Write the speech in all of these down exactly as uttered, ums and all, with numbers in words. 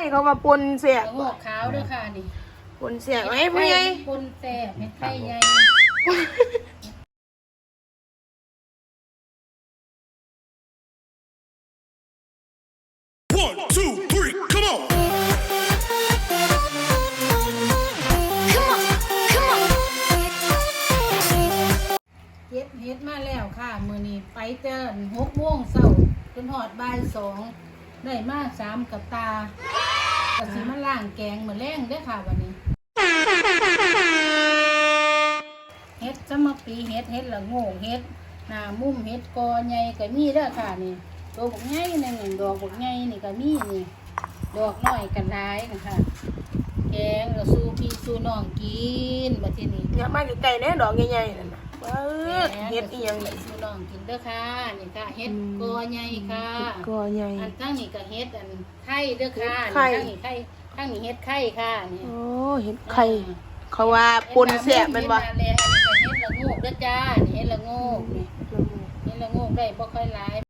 เขามาปนเสียงอกขาวด้วยค่ะนี่ปนเสียไอ้ผู้ใหญ่ปนแซ่บเห็ดไข่ใหญ่ One, two, three, come on! Come on, come on. เก็บเห็ดมาแล้วค่ะมื้อนี้ไปเจอหกโมงเช้าจนฮอดบ่ายสองได้มาสามกับตาก็สิมาล้างแกงมื้อแลงเด้อค่ะวันนี้เห็ดสมปีเห็ดเห็ดละโง่เห็ดหน้ามุมเห็ดกอใหญ่ก็มีเด้อค่ะนี่ตัวบักใหญ่นึงดอกบักใหญ่นี่ก็มีนี่ดอกน้อยกันหลายนะคะแกงก็สู้พี่สู้น้องกินบัดทีนี้อย่ามาไกลๆแน่ดอกใหญ่ๆนั่นน่ะเออเฮ็ดอีหยังเห็นี่ดสู้น้องกินเด้อค่ะนี่ค่ะเห็ดกอใหญ่ค่ะก็ใหญ่อันทั้งนี้ก็เฮ็ดอันไข่เด้อค่ะไข่ทั้งนี้ไข่ทั้งนี้เฮ็ดไข่ค่ะนี่โอ้เห็ดไข่เขาว่าปนเสียแม่นบ่เฮ็ดนาแลอันนี้ก็เฮ็ดละโงกเด้อจ้านี่เฮ็ดละโงกนี่เฮ็ดละโงกได้บ่ค่อยหลาย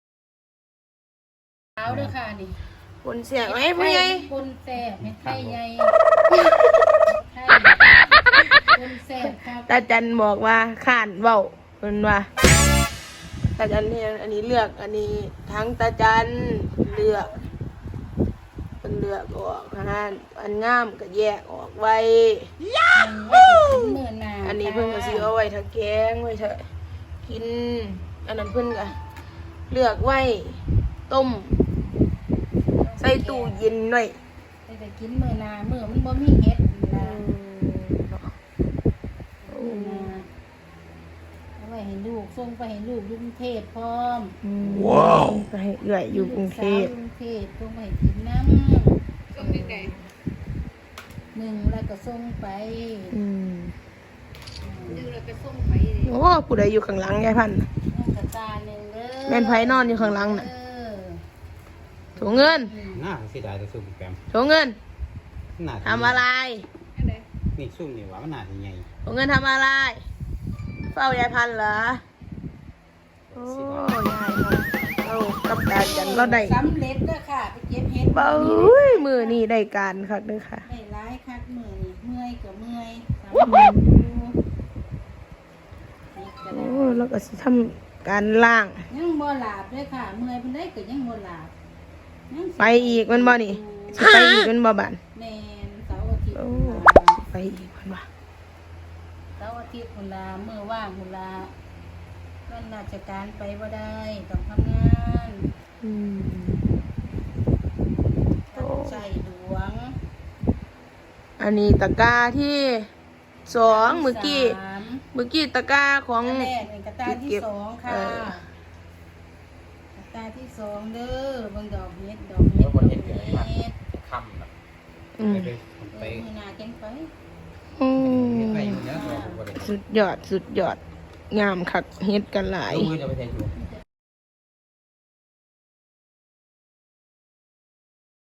ขาวเด้อค่ะนี่ปนเสียไอ้ผู้ใหญ่ปนแซ่บเฮ็ดไข่ใหญ่ไข่ปนแซ่บครับตาจันบอกว่าข้านเว้าเพิ่นว่าตาจันเนี่ยอันนี้เลือกอันนี้ทั้งตาจันเลือกเพิ่นเลือกออกนะฮะอันงามก็แยกออกไว้มื้อหน้าอันนี้เพิ่นก็สิเอาไว้ถ้าแกงไว้ถ้ากินอันนั้นเพิ่นก็เลือกไว้ต้มใส่ตู้เย็นหน่อยไปแต่กินมื้อหน้ามื้อมันบ่มีเฮ็ดนะ มื้อหน้าเอาไว้ให้ลูกส่งไปให้ลูกอยู่กรุงเทพพร้อมว้าวไปให้เอื้อยอยู่กรุงเทพลูกสาวกรุงเทพส่งไปให้กินน้ำส่งได้หนึ่งแล้วก็ส่งไปอืมหนึ่งแล้วก็ส่งไปโอ้ผู้ใดอยู่ข้างหลังยายพันธุ์น้ำกระตาหนึ่งเด้อแม่นไผนอนอยู่ข้างหลังน่ะเออโถเงินน่าเสียดายแต่ซุ่มแกมโถเงินน่าทำอะไรนี่ซุ่มนี่ว่ามันน่าจะใหญ่โถเงินทำอะไรเฝ้ายายพันธุ์เหรอโอ้ยายพันธุ์เอากับตาจันเราได้สำเร็จเด้อค่ะไปเก็บเห็ดเบ้ยมือนี่ได้การคักเด้อค่ะได้ร้ายคักมือนี่เมื่อยก็เมื่อยสำเร็จอยู่นี่ก็โอ้ได้แล้วก็สิทำการล่างยังบ่หลาบด้วยค่ะ เมื่อยเพิ่นได้ก็ยังบ่หลาบยังสิไปอีกมันบ่นี่สิไปอีกมันบ่บันแม่นเสาร์อาทิตย์โอ้พุ่นล่ะไปอีกมันบ่เสาร์อาทิตย์พุ่นล่ะมื้อว่างพุ่นล่ะวันราชการไปบ่ได้ต้องทำงานอืมต้องใช้หลวงอันนี้ตะกร้าที่สองเมื่อกี้สามเมื่อกี้ตะกร้าของอันแรกเป็นกระตาที่สองค่ะเออกระตาที่สองเด้อเบิ่งดอกเฮ็ดดอกเฮ็ดดอกเฮ็ดคำแบบอืมไปไปเบิ่งหน้าเก่งไปอืมไปอยู่เนี้ยตัวผมก็เลยสุดยอดสุดยอดงามคักเฮ็ดกันหลายลูกมือจะไปแทนอยู่อื